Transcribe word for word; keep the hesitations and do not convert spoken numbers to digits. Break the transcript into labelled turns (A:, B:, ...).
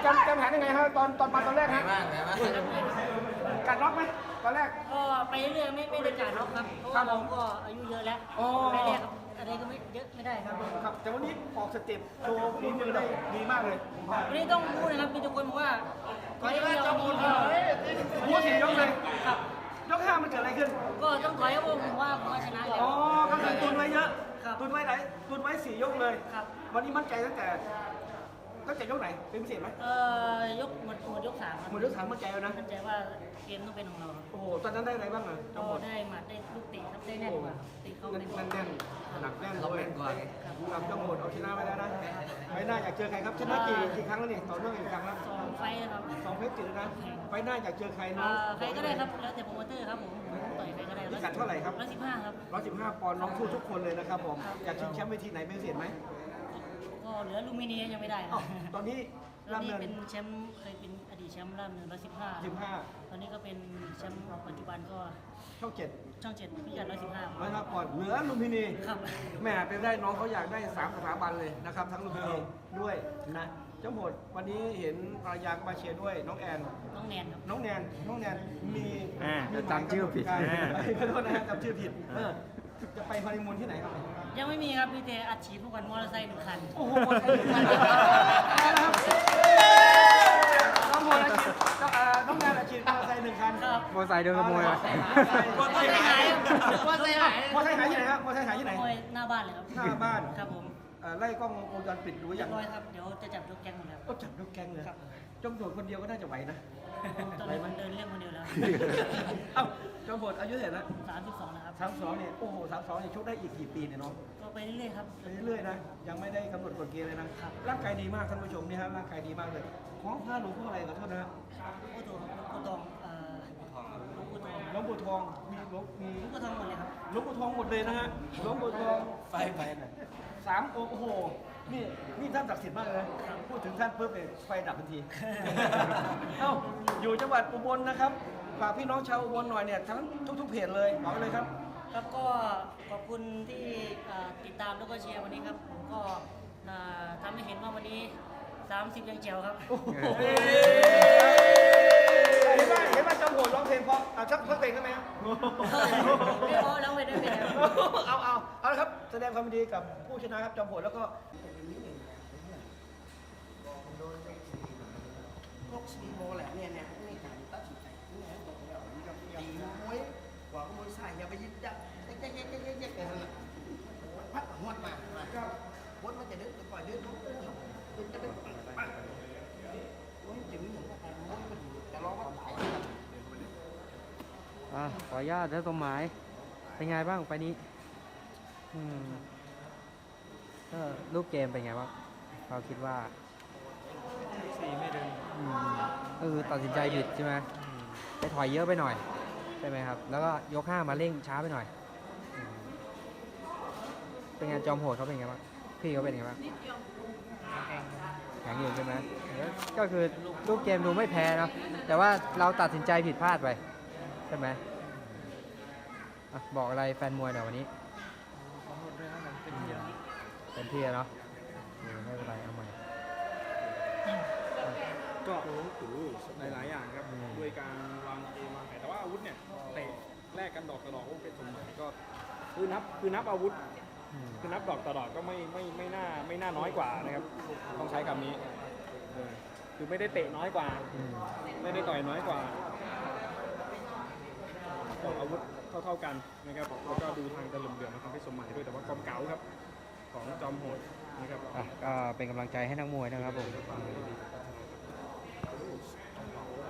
A: จำจำแผนยังไงครับตอนตอนมาตอนแรกฮะกัดล็อกไหมตอนแรก
B: ก็ไปเรื่อยๆไม่ไม่ได้การล็อกครับเพราะว่าเราก็อายุเยอะแล้วไม่แรกครับอะไรก็ไม่เยอะไม่ได้ครับ
A: ครับแต่วันนี้ออกสเต็ปโชว์ฝีมือได้ดีมากเลย
B: วันนี้ต้องพูดนะครับมีทุกคนบอกว่าขอให้เราดี
A: พูดสี่ยกเลยครับยกห้ามันเกิดอะไรขึ้น
B: ก็ต้องขอให้ผมว่าผมชนะเลย
A: อ๋อก็คือตุนไว้เยอะตุนไว้ไหนตุนไว้สี่ยกเลยวันนี้มั่นใจตั้งแต่ตั้งแต่ยกไหนเป็นพิเศษไหม
B: เออยกหมดหมดยกสาม
A: หมดยกสามมั่นใจแล้วนะ
B: มั่นใจว่าเกมต้องเป็นของเรา
A: โอ้โหตอนนั้นได้อะไรบ้างอ่ะ
B: ก็ได้หมัดได้ลูกตีครับได้แน่นกว่าตีเข้าได้
A: แน่นหนักแน่นเลยครับจังหวดเอาชนะไปแล้วนะไปหน้าอยากเจอใครครับชนะกี่กี่ครั้งแล้วนี่ต่อเนื่องกี่ครั้งแล้ว
B: สองไฟครับ
A: สองเพชรจิตนะไปหน้าอยากเจอใครน้
B: องใครก็ได้ครับแล้วแต่โปรโมเตอร์ครับผมต่อยใครก็ได้
A: พิกัดเท่าไหร่ครับ
B: ร้อยสิบห้าครับ
A: ร้อยสิบห้าปอนด์น้องสู้ทุกคนเลยนะครับผมอยากชิงแชมป์เวทีไหนเป็นพิเศษไหม
B: ก็เหลือลูมิเนียยังไม่ได้
A: ตอนนี้
B: ตอนนี้เป็นแชมป์เคยเป็นอดีตแชมป์ล่ามเนินร้อยสิบห้า
A: สิบห้า
B: ตอนนี้ก็เป็นแชมป์ปัจจุบันก็
A: ช่องเจ็ด
B: ช่องเจ็ดพิกัดร้อยสิบห้า
A: ร้อยห้าปอนด์เหลือลูมินี
B: ครับ
A: แม่เป็นได้น้องเขาอยากได้สามสถาบันเลยนะครับทั้งลูมินีด้วยนะเจ้าหมดวันนี้เห็นภรรยาก็มาเชียร์ด้วยน้องแอน
B: น้องแนนครับ
A: น้องแนนน้องแนนมี
C: จะจำชื่อผิด
A: ขอโทษนะจำชื่อผิดจะไปฮันนีมูนที่ไหนครับ
B: ยังไม่มีครับพี่เตอัดฉีดทุกวันมอเตอร์ไซค์หนึ่งคัน
A: โอ้โหมอเตอร์ไซค์หนึ่งคันน้องโมอาชีพน้องงานอาชีพมอเตอร์ไซค์หนึ่งคัน
B: ครับ
C: มอเตอร์ไซค์โดนขโมย
B: มอเตอร์ไซค์หายมอเตอร์ไซค์หาย
A: มอเตอร์ไซค์หายที่ไหนครับมอเตอร์ไซค์หายที่ไหน
B: หน้าบ้านเลยครับ
A: หน้าบ้าน
B: ครับผม
A: ไล่กล้องวงจรปิดดูอย่าง
B: ร้อยครับเดี๋ยวจะจับยกแก๊งหมดแล้ว
A: ก็จับยกแก๊งเลยจอมโหดคนเดียวก็น่าจะไหวนะ
B: ตอนนี้มันเดินเรื่องคนเดียวแล้ว
A: เอ้าจอมโหดอายุเท่าไหร่ละ
B: สามสิบสองนะครับ
A: สามสองเนี่ยโอ้โหสามสองเนี่ยชกได้อีกกี่ปีเนี่ยน้อง
B: ก็ไปเรื่อยๆครับ
A: ไปเรื่อยๆนะยังไม่ได้กำหนดกฎเกณฑ์เลยนะร่างกายดีมากท่านผู้ชมนี่ครับร่างกายดีมากเลยของพระหลวงพ่ออะไรขอโทษนะ
B: หลวงปู่ทองหลวงปู่ทองเอ่อหลวงปู่ทอง
A: หลวงปู่ทองมีหลวงมี
B: หลวงปู่ทองหมดเลยครับ
A: หลวงปู่ทองหมดเลยนะฮะหลวงปู่ทองไฟไฟสามโอ้โหนี่นี่ท่านศักดิ์สิทธิ์มากเลยพูดถึงท่านเพิ่มเลยไฟดับทันทีเอ้าอยู่จังหวัดอุบลนะครับฝากพี่น้องชาวอุบลหน่อยเนี่ยทั้งทุกๆเพจเลยบอกเลยครับ
B: ครับก็ขอบคุณที่ติดตามแล้วก็เชียร์วันนี้ครับผมก็ทำให้เห็นว่าวันนี้สามสิบยังเจ๋วครับ
A: เห็นไหมเห็นไหมจอมโหดร้องเพลงเพราะเอาชักเพลงได้ไหม
B: ไม่พอร้องไปได้ไหม
A: เอาเอาเอาละครับแสดงความยินดีกับผู้ชนะครับจอมโหดแล้วก็
D: พวกซีโมแหละเนี่ยเนี่ยไม่การตัดสินใจเนี่ยบอกแล้วมีกับตีมวยกว่ามวยใส่อย่าไปยึดจับเจ๊กเจ๊กเจ๊กเจ๊กเจ๊กเจ๊กพัดหัวมาวัดมันจะเดินปล่อยเดินมันจะเป็นปังมวยจึงอย่างนั้นมวยมันจะร้องว่าตาย
C: อ่ะขออนุญาตแล้วสมหมายเป็นไงบ้างไปนี้อืมก็รูปเกมเป็นไงบ้างเราคิดว่า
E: สี่ไม่เดิน
C: เออตัดสินใจผิดใช่ไหมไปถอยเยอะไปหน่อยใช่ไหมครับแล้วก็ยกห้ามาเร่งช้าไปหน่อยเป็นไงจอมโหดเขาเป็นไงบ้างพี่เขาเป็นไงบ้างแข็งอยู่ใช่ไหมก็คือรูปเกมดูไม่แพ้เนาะแต่ว่าเราตัดสินใจผิดพลาดไปใช่ไหมบอกอะไรแฟนมวยหน่อยวันนี้เป็นที่เนาะไม่เป็นไรเอาใหม่
E: ก็หลายๆอย่างครับด้วยการวางเกมวางแผนแต่ว่าอาวุธเนี่ยเตะแลกกันดอกต่อดอกก็เป็นสมหมายก็คือนับคือนับอาวุธคือนับดอกต่อดอกก็ไม่ไม่ไม่น่าไม่น่าน้อยกว่านะครับต้องใช้คำนี้คือไม่ได้เตะน้อยกว่าไม่ได้ต่อยน้อยกว่าออกอาวุธเท่าๆกันนะครับแล้วก็ดูทางตะลุมเดือดมาทำให้สมหมายด้วยแต่ว่าความเก๋าครับของจอมโหดนะครับ
C: ก็เป็นกำลังใจให้นักมวยนะครับผม